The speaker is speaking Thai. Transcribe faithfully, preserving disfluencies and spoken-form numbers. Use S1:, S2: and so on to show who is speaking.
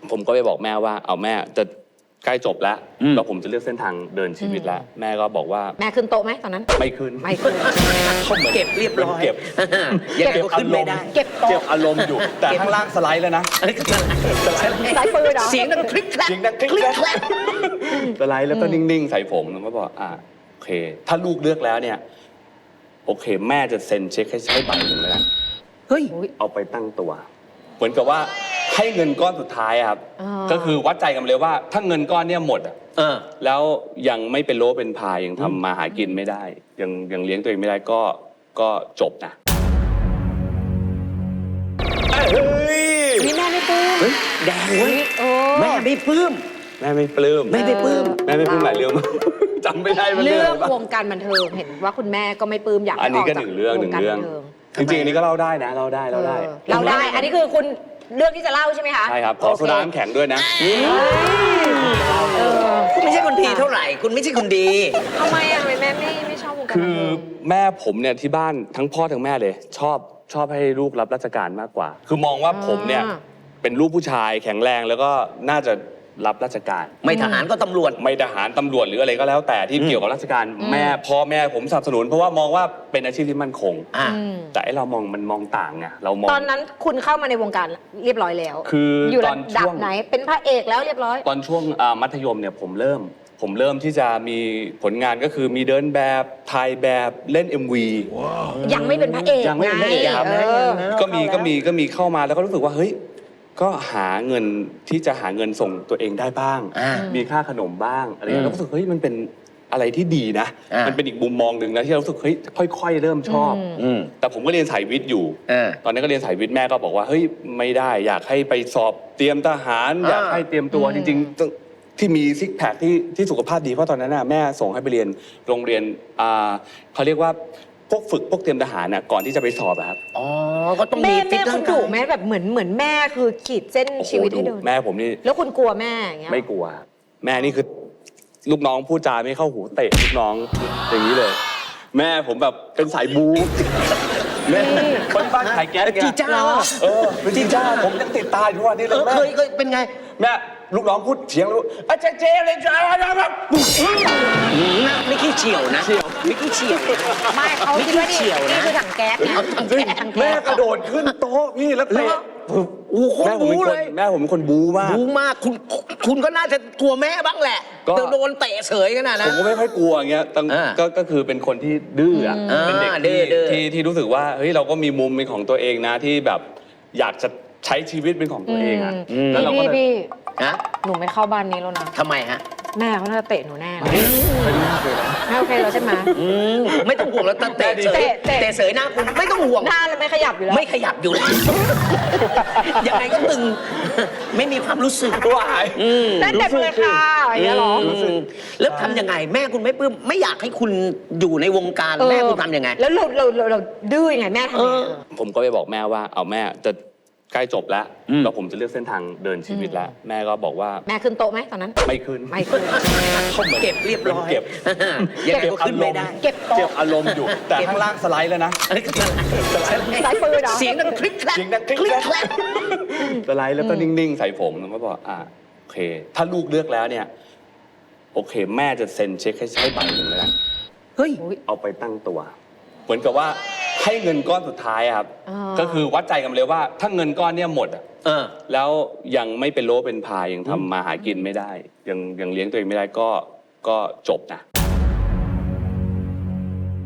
S1: ผมก็ไปบอกแม่ว่าเอาแม่จะใกล้จบแล้วแล้วผมจะเลือกเส้นทางเดินชีวิตแล้วแม่ก็บอกว่า
S2: แม่ขึ้นโต๊ะไหมตอนนั้น
S1: ไม่ขึ้น
S2: ไม่ขึ้น
S3: เขาเก็บเรียบร้อย
S1: เก็บ
S3: ยังไงก็ขึ้นไม่ได้
S2: เก็บโต๊ะ
S1: เก็บอารมณ์อยู่แต่ข้างล่างสไลด์แล้วนะ
S2: สายปืนเหรอ
S3: เสียงดังคลิกแคลก
S1: เสียงดังคลิกแคลกสไลด์แล้วก็นิ่งๆใส่ผมแล้วก็บอกอ่าโอเคถ้าลูกเลือกแล้วเนี่ยโอเคแม่จะเซ็นเช็คให้ใช้ใบหนึ่งแล้วกัน
S3: เฮ้ย
S1: เอาไปตั้งตัวเหมือนกับว่าให้เงินก้อนสุดท้ายครับก็คือวัดใจกันเลยว่าถ้าเงินก้อนเนี่ยหมดอ่ะแล้วยังไม่เป็นโลเป็นพายยังทำมาหากินไม่ได้ยังยังเลี้ยงตัวเองไม่ได้ก็ก็จบนะ
S2: นี่แม่ไม่ปลื้ม
S3: แดงเว้ยแม่ไม่ปลื้ม
S1: แม่ไม่ปลื้ม
S3: แม่ไม่ปลื้ม
S1: แม่ไม่ปลื้มหลายเรื่องจำไม่ได้
S2: เรื่องวงการบันเทิงเห็นว่าคุณแม่ก็ไม่ปลื้มอยากให้ออกจากวงการบันเทิง
S1: จริงๆอันนี้ก็เล่าได้นะเล่าได้เล่าได้
S2: เล่าได้อันนี้คือคุณเรื่องที่จะเล่าใช่ไหมคะ
S1: ใช่ครับขอโซดาน้ำแข็งด้วยนะ
S3: คุณไม่ใช่คนดีเท่าไหร่คุณไม่ใช่คนดี
S2: ทำไมอ่ะทำไมแม่ไม่ไม่ชอบวงการบันเทิง
S1: คือแม่ผมเนี่ยที่บ้านทั้งพ่อทั้งแม่เลยชอบชอบให้ลูกรับราชการมากกว่าคือมองว่าผมเนี่ยเป็นลูกผู้ชายแข็งแรงแล้วก็น่าจะรับราชการ
S3: ไม่ทหารก็ตำรวจ
S1: ไม่ทหารตำรวจหรืออะไรก็แล้วแต่ที่เกี่ยวกับราชการแม่พ่อแม่ผมสนับสนุนเพราะว่ามองว่าเป็นอาชีพที่มั่นคงแต่เรามองมันมองต่างไงเรามอง
S2: ตอนนั้นคุณเข้ามาในวงการเรียบร้อยแล้ว
S1: คือ
S2: อยู่ระดับไหนเป็นพระเอกแล้วเรียบร้อย
S1: ตอนช่วงมัธยมเนี่ยผมเริ่มผมเริ่มที่จะมีผลงานก็คือมีเดินแบบถ่ายแบบเล่น เอ็ม วี
S2: ยังไม่เป็นพระเอก
S1: ยังไม่เป็นพระเอกครับก็มีก็มีก็มีเข้ามาแล้วก็รู้สึกว่าเฮ้ยก็หาเงินที่จะหาเงินส่งตัวเองได้บ้างมีค่าขนมบ้างอะไรอย่างเงี้ยแล้วก็รู้สึกเฮ้ยมันเป็นอะไรที่ดีนะมันเป็นอีกมุมมองหนึ่งนะที่เรารู้สึกเฮ้ยค่อยๆเริ่มชอบแต่ผมก็เรียนสายวิทย์อยู่ตอนนั้นก็เรียนสายวิทย์แม่ก็บอกว่าเฮ้ยไม่ได้อยากให้ไปสอบเตรียมทหารอยากให้เตรียมตัวจริงๆที่มีซิกแพคที่ที่สุขภาพดีเพราะตอนนั้นน่ะแม่ส่งให้ไปเรียนโรงเรียนอ่าเขาเรียกว่าพวกฝึกพวกเตรียมทหารน่ะก่อนที่จะไปสอบครับ
S3: อ๋อก็ต้องมี
S2: ฟิตร่างกายแม่แบบเหมือนเหมือนแม่คือขีดเส้นชีวิตให้เดิน
S1: แม่ผมนี่
S2: แล้วคุณกลัวแม่อย่างเงี้ย
S1: ไม่กลัวแม่นี่คือลูกน้องพูดจาไม่เข้าหูเตะลูกน้องอย่างนี้เลยแม่ผมแบบเป็นสายบู๊แม่คนบ้านขายแก๊ส
S3: จีจ้า
S1: เออเป็นจีจ้าผมยังติดตาอยู่วันนี้เลยแม่
S3: เคยเคยเป็นไง
S1: แม่ลูกน้องพูดเฉียงรู้อาเจเจเลยจ้าแบบ
S3: ไม่ขี้เฉียวนะเฉียวไม่ขี้เฉียว
S2: ไม่เขาคิดว่านี่นี่คือถังแก๊สเนี่ย
S1: แม่กระโดดขึ้นโต๊ะพี่แล้วเตะแม่ผมเป็นคนแม่ผมเป็นคนบู๊มาก
S3: บู๊มากคุณคุณก็น่าจะกลัวแม่บ้างแหละโดนเตะเฉยขนาดนั้น
S1: ผมก็ไม่ค่อยกลัวอย่างเงี้ยก็ก็คือเป็นคนที่ดื้อเป็นเด็กที่ที่รู้สึกว่าเฮ้ยเราก็มีมุมเป็นของตัวเองนะที่แบบอยากจะใช้ชีวิตเป็นของตัวเองอ่ะ
S2: แล้วเราก็พี่
S3: ฮะ
S2: หนูไม่เข้าบ้านนี้แล้วนะ
S3: ทำไมฮะ
S2: แม่เขาน่าจะเตะหนูแน่แม่โอเคแล้วใช่ไหม
S3: ไม่ต้องห่วงแล้วเตะเสยเตะเสยหน้าคุณไม่ต้องห่วง
S2: หน้าเลยไม่ขยับอยู่แล้ว
S3: ไม่ขยับอยู่แล้วยังไงก็ตึงไม่มีความรู้สึก
S1: ตัวหาย
S2: นั่นเด็กเลยค่ะอย่างเงี้ยหรอ
S3: แล้วทำยังไงแม่คุณไม่ปลื้มไม่อยากให้คุณอยู่ในวงการแม่คุณทำยังไง
S2: แล้วเราเราเราดื้อยังไงแม่ทำยังไง
S1: ผมก็ไปบอกแม่ว่าเอาแม่จะใกล้จบแล้วแล้วผมจะเลือกเส้นทางเดินชีวิตแล้วแม่ก็บอกว่า
S2: แม่ขึ้นโต๊ะไหมตอนนั้น
S1: ไม่ขึ้น
S2: ไม่ขึ้น
S3: เขาเก็บเรียบร้อย
S1: เก็บ
S3: ยังไงก็ขึ้นไม่ได้
S2: เก็บโต๊ะ
S1: เก็บอารมณ์อยู่แต่ข้างล่างสไลด์แล้วนะ
S2: สายปืนเหรอ
S3: เสียงดังคลิกแคลก
S1: เสียงดังคลิกแคลกสไลด์แล้วก็นิ่งๆใส่ผมแล้วก็บอกอ่าโอเคถ้าลูกเลือกแล้วเนี่ยโอเคแม่จะเซ็นเช็คให้ใช้ใบหนึ่งแล้วกัน
S3: เฮ้ย
S1: เอาไปตั้งตัวเหมือนกับว่าให้เงินก้อนสุดท้ายครับก็คือวัดใจกันเลยว่าถ้าเงินก้อนเนี่ยหมดอ่ะแล้วยังไม่เป็นโลเป็นพายยังทำมาหากินไม่ได้ยังยังเลี้ยงตัวเองไม่ได้ก็ก็จบนะ